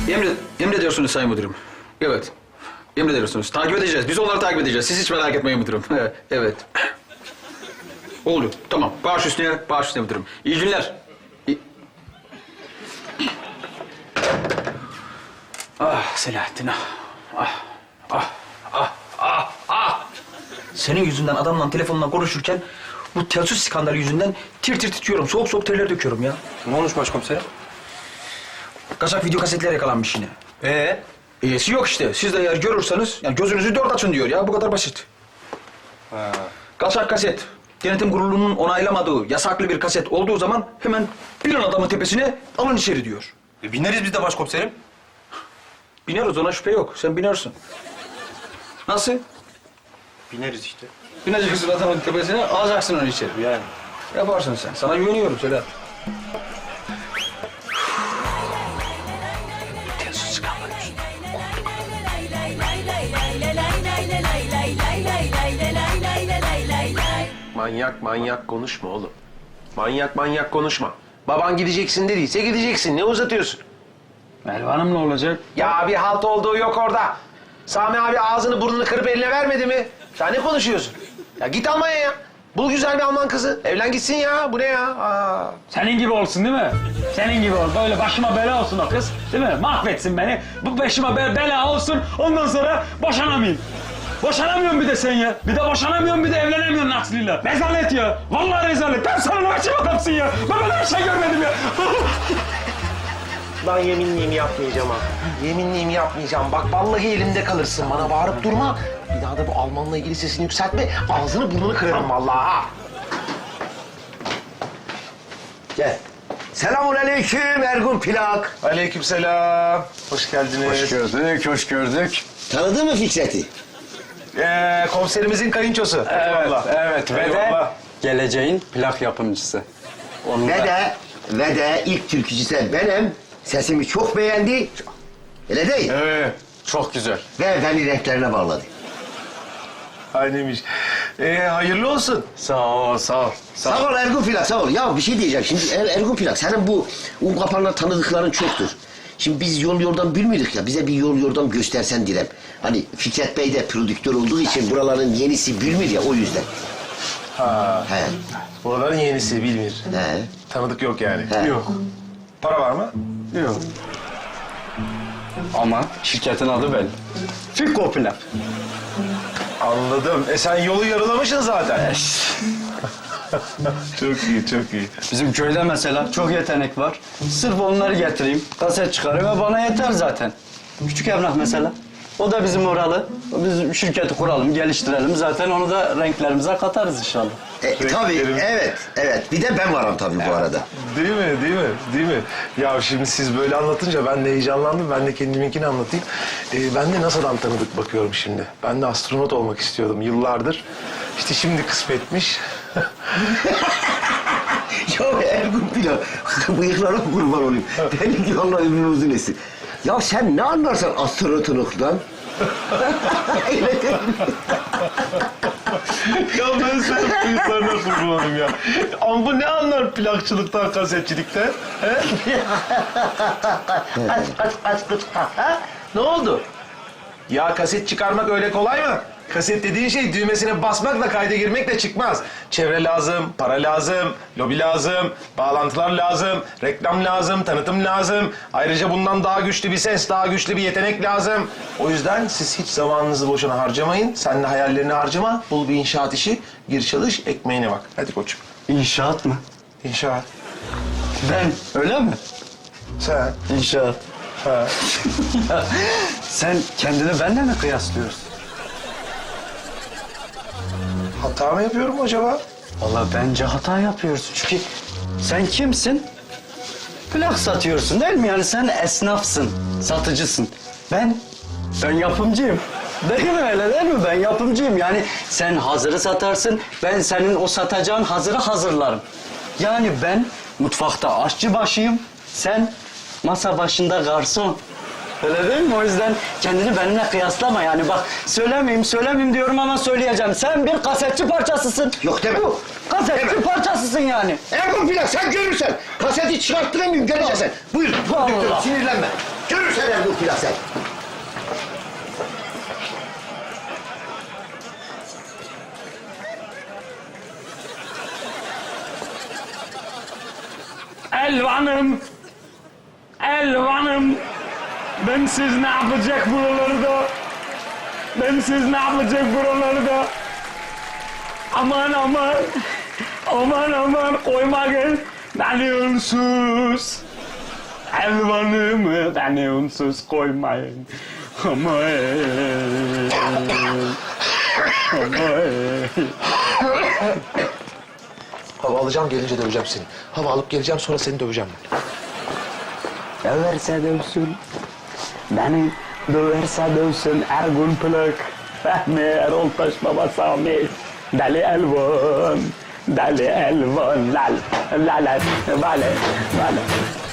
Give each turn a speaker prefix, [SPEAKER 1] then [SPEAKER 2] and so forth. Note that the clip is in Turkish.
[SPEAKER 1] Emrediyorsunuz Sayın Müdürüm. Evet. Emrediyorsunuz. Takip edeceğiz. Biz onları takip edeceğiz. Siz hiç merak etmeyin müdürüm. Evet. Oldu. Tamam. Baş üstüne müdürüm. İyi günler. Ah Selahattin ah. Senin yüzünden adamla telefonla konuşurken bu telsiz skandalı yüzünden tir tir titriyorum. Soğuk soğuk terler döküyorum ya.
[SPEAKER 2] Ne olmuş başkomiserim?
[SPEAKER 1] Kaçak video kasetler yakalanmış yine. İyisi yok işte. Siz de eğer görürseniz yani gözünüzü dört açın diyor ya. Bu kadar basit.
[SPEAKER 2] Ha.
[SPEAKER 1] Kaçak kaset. Denetim kurulunun onaylamadığı yasaklı bir kaset olduğu zaman hemen bir an adamın tepesine alın içeri diyor.
[SPEAKER 2] Bineriz biz de başkomiserim.
[SPEAKER 1] Bineriz ona şüphe yok. Sen binersin. Nasıl?
[SPEAKER 2] Bineriz işte.
[SPEAKER 1] Bineceksin adamın tepesine alacaksın onu içeri.
[SPEAKER 2] Yani.
[SPEAKER 1] Yaparsın sen. Sana güveniyorum Sedat. Telsiz skandalı yüzünden.
[SPEAKER 3] Manyak konuşma oğlum. Manyak konuşma. Baban gideceksin dediyse gideceksin. Ne uzatıyorsun?
[SPEAKER 1] Merve Hanım ne olacak?
[SPEAKER 3] Ya bir halt olduğu yok orada. Sami abi ağzını burnunu kırıp eline vermedi mi? Sen ne konuşuyorsun? Ya git Almanya'ya. Bul güzel bir Alman kızı. Evlen gitsin ya. Bu ne ya? Aa.
[SPEAKER 4] Senin gibi olsun değil mi? Senin gibi ol. Böyle başıma bela olsun o kız. Değil mi? Mahvetsin beni. Bu başıma bela olsun. Ondan sonra boşanamayayım. Boşanamıyorum bir de sen ya. Bir de boşanamıyorum bir de evlenemiyorum Aslı'yla. Rezalet ya. Vallahi rezalet. Ben sana ne açayım adamsın ya. Ben böyle bir şey görmedim ya.
[SPEAKER 3] Ben yeminliyim yapmayacağım ha. Yeminliyim yapmayacağım. Bak vallahi elimde kalırsın. Bana bağırıp durma. Bir daha da bu Almanla ilgili sesini yükseltme. Ağzını burnunu kırarım vallahi ha.
[SPEAKER 5] Gel. Selamünaleyküm Ergun Plak.
[SPEAKER 3] Aleykümselam. Hoş geldiniz.
[SPEAKER 2] Hoş gördük.
[SPEAKER 5] Tanıdın mı Fikret'i?
[SPEAKER 3] Komiserimizin kayınçosu.
[SPEAKER 2] Evet. Ve de
[SPEAKER 3] Eyvallah.
[SPEAKER 2] geleceğin plak yapımcısı. Onun
[SPEAKER 5] Ve de ilk türkücüsü benim. Sesimi çok beğendi. Öyle değil.
[SPEAKER 2] Evet. Çok güzel.
[SPEAKER 5] Ve beni renklerine bağladı.
[SPEAKER 3] Aynıymış. Hayırlı olsun.
[SPEAKER 2] Sağ ol.
[SPEAKER 5] Sağ ol Ergun Plak, sağ ol. Ya bir şey diyeceğim. Şimdi Ergun Plak, senin bu un kapanlar tanıdıkların çoktur. Şimdi biz yol yordam bilmiyorduk ya. Bize bir yol yordam göstersen direm. Hani Fikret Bey de prodüktör olduğu için buraların yenisi bilmiyor ya, o yüzden.
[SPEAKER 3] Ha.
[SPEAKER 5] He.
[SPEAKER 3] Buraların yenisi bilmir.
[SPEAKER 5] He.
[SPEAKER 3] Tanıdık yok yani.
[SPEAKER 5] He.
[SPEAKER 2] Yok.
[SPEAKER 3] Para var mı?
[SPEAKER 2] Yok. Ama şirketin adı belli. Fiko plak.
[SPEAKER 3] Anladım. Sen yolu yarılamışsın zaten. Çok iyi.
[SPEAKER 2] Bizim köyde mesela çok yetenek var. Sırf onları getireyim, kaset çıkarayım ve bana yeter zaten. Küçük Emrah mesela. O da bizim oralı. Biz şirketi kuralım, geliştirelim. Zaten onu da renklerimize katarız inşallah.
[SPEAKER 5] Tabii, evet. Bir de ben varım tabii bu arada.
[SPEAKER 3] Değil mi? Ya şimdi siz böyle anlatınca ben de heyecanlandım. Ben de kendiminkini anlatayım. Ben de NASA'dan tanıdık bakıyorum şimdi. Ben de astronot olmak istiyordum yıllardır. İşte şimdi kısmetmiş.
[SPEAKER 5] Ya Ergun Plak, bıyıklara kurban olayım. Benim ki Allah ömrünü uzun etsin. Ya sen ne anlarsan astronotuluktan? Öyle değil mi?
[SPEAKER 3] Ya ben senin bıyıklarına kurbanım ya. Ama bu ne anlar plakçılıktan, kasetçilikten? He? Ne oldu? Ya kaset çıkarmak öyle kolay mı? Kaset dediğin şey düğmesine basmakla kayda girmekle çıkmaz. Çevre lazım, para lazım, lobi lazım, bağlantılar lazım, reklam lazım, tanıtım lazım. Ayrıca bundan daha güçlü bir ses, daha güçlü bir yetenek lazım. O yüzden siz hiç zamanınızı boşuna harcamayın. Sen de hayallerini harcama. Bul bir inşaat işi, gir çalış, ekmeğine bak. Hadi koçum.
[SPEAKER 2] İnşaat mı?
[SPEAKER 3] İnşaat.
[SPEAKER 2] Ben, öyle mi?
[SPEAKER 3] Sen.
[SPEAKER 2] İnşaat.
[SPEAKER 3] Ha.
[SPEAKER 2] Sen kendini benimle mi kıyaslıyorsun?
[SPEAKER 3] Hata mı yapıyorum acaba?
[SPEAKER 2] Vallahi bence hata yapıyorsun. Çünkü sen kimsin? Plak satıyorsun değil mi? Yani sen esnafsın, satıcısın. Ben yapımcıyım. Değil mi öyle değil mi? Ben yapımcıyım. Yani sen hazırı satarsın, ben senin o satacağın hazırı hazırlarım. Yani ben mutfakta aşçı başıyım, sen masa başında garson. Öyle değil mi? O yüzden kendini benimle kıyaslama yani. Bak söylemeyeyim diyorum ama söyleyeceğim. Sen bir kasetçi parçasısın.
[SPEAKER 5] Yok deme.
[SPEAKER 2] Kasetçi parçasısın yani.
[SPEAKER 5] Ergun Plak, sen görürsen kaseti çıkarttıramıyorum, göreceksin. Buyur,
[SPEAKER 2] Vallahi.
[SPEAKER 5] sinirlenme. Görürsen Ergun Plak sen.
[SPEAKER 4] Elvan'ım. Elvan'ım. Bensiz ne yapacak buralarda? Bensiz ne yapacak buralarda? Aman aman. Aman aman koymayın. Beni unsuz. Elvan'ımı beni unsuz koymayın. Aman. Aman.
[SPEAKER 3] Hava alacağım gelince döveceğim seni. Hava alıp geleceğim sonra seni döveceğim.
[SPEAKER 4] Döverse dövsün. Beni döverse dövsün Ergun Plak. Fehmi Erol Taş Baba Sami. Deli Elvan. Deli Elvan. Lal. Lal. Vale. Vale.